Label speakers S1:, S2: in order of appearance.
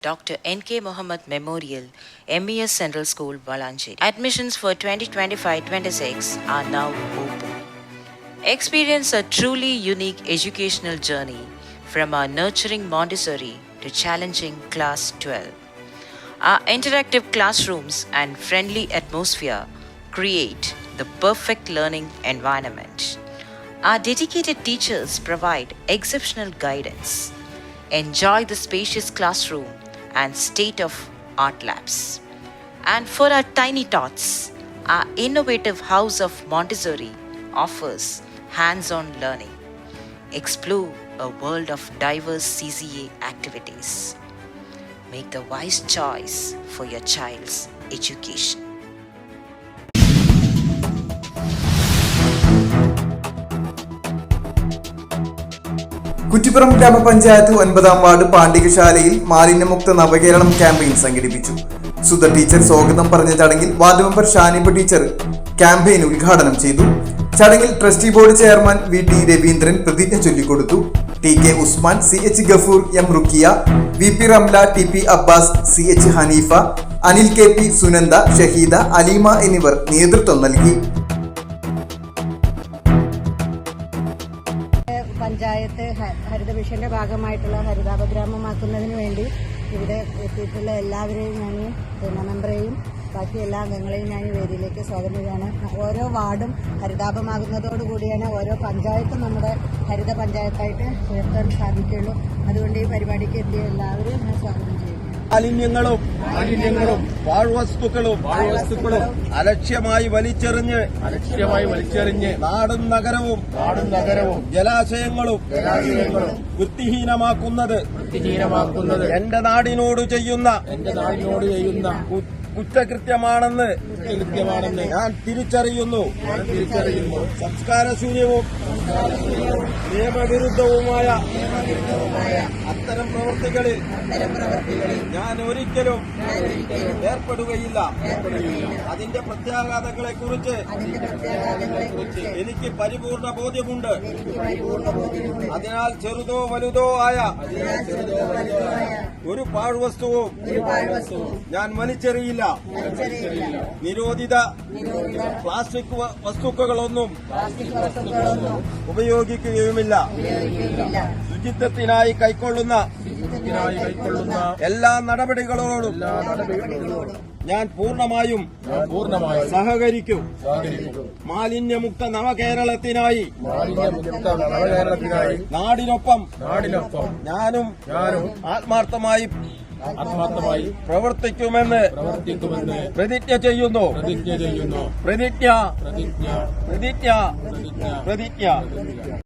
S1: Dr. N.K. Mohammed Memorial, MES Central School, Valancheri. Admissions for 2025-26 are now open. Experience a truly unique educational journey from our nurturing Montessori to challenging Class 12. Our interactive classrooms and friendly atmosphere create the perfect learning environment. Our dedicated teachers provide exceptional guidance. Enjoy the spacious classroom and state-of-art labs. And for our tiny tots, our innovative House of Montessori offers hands-on learning. Explore a world of diverse CCA activities. Make the wise choice for your child's education.
S2: Kuttippuram ഗ്രാമപഞ്ചായത്ത് 9-ാം ward പാണ്ഡികശാലയിൽ മാലിന്യമുക്ത നവകേരളം campaign സംഘടിപ്പിച്ചു. Sudha teacher സ്വാഗതം പറഞ്ഞ ചടങ്ങിൽ ward member Shaniba teacher campaign ഉദ്ഘാടനം ചെയ്തു. ചടങ്ങിൽ trustee board chairman VT Raveendran പ്രതിജ്ഞ ചൊല്ലിക്കൊടുത്തു. TK Usman, CH Gafoor, M Rukkiya, VP Ramla, TP Abbas, CH Haneefa, Anil KP, Sunanda, Shaheeda, Aleema എന്നിവർ നേതൃത്വം നൽകി.
S3: പഞ്ചായത്ത് ഹരിത മിഷന്റെ ഭാഗമായിട്ടുള്ള ഹരിതാപഗ്രാമമാക്കുന്നതിന് വേണ്ടി ഇവിടെ എത്തിയിട്ടുള്ള എല്ലാവരെയും ഞാൻ മെമ്പറേയും ബാക്കി എല്ലാ അംഗങ്ങളെയും ഞാൻ വേദിയിലേക്ക് സ്വാഗതം ചെയ്യാണ്. ഓരോ വാർഡും ഹരിതാപമാകുന്നതോടുകൂടിയാണ് ഓരോ പഞ്ചായത്തും നമ്മുടെ ഹരിത പഞ്ചായത്തായിട്ട് ഉയർത്താൻ സാധിക്കുകയുള്ളൂ. അതുകൊണ്ട് ഈ പരിപാടിക്ക് എത്തിയ എല്ലാവരെയും ഞാൻ സ്വാഗതം ചെയ്യും.
S4: മാലിന്യങ്ങളും പാഴ്വസ്തുക്കളും അലക്ഷ്യമായി വലിച്ചെറിഞ്ഞ് നാടും നഗരവും ജലാശയങ്ങളും വൃത്തിഹീനമാക്കുന്നത് എന്റെ നാടിനോട് ചെയ്യുന്ന കുറ്റകൃത്യമാണെന്ന് ഞാൻ തിരിച്ചറിയുന്നു. സംസ്കാരശൂന്യവും നിയമവിരുദ്ധവുമായ അത്തരം പ്രവൃത്തികളിൽ ഞാൻ ഒരിക്കലും ഏർപ്പെടുകയില്ല. അതിന്റെ പ്രത്യാഘാതങ്ങളെ കുറിച്ച് എനിക്ക് പരിപൂർണ ബോധ്യമുണ്ട്. അതിനാൽ ചെറുതോ വലുതോ ആയ ഒരു പാഴ്വസ്തുവും ഞാൻ വലിച്ചെറിയില്ല. നിരോധിത പ്ലാസ്റ്റിക് വസ്തുക്കളൊന്നും ഉപയോഗിക്കുകയുമില്ല. ശുചിത്വത്തിനായി കൈക്കൊള്ളുന്ന എല്ലാ നടപടികളോടും ഞാൻ പൂർണ്ണമായും സഹകരിക്കും. മാലിന്യമുക്ത നവകേരളത്തിനായി നാടിനൊപ്പം ഞാനും ആത്മാർത്ഥമായി പ്രവർത്തിക്കുമെന്ന് പ്രതിജ്ഞ ചെയ്യുന്നു. പ്രതിജ്ഞ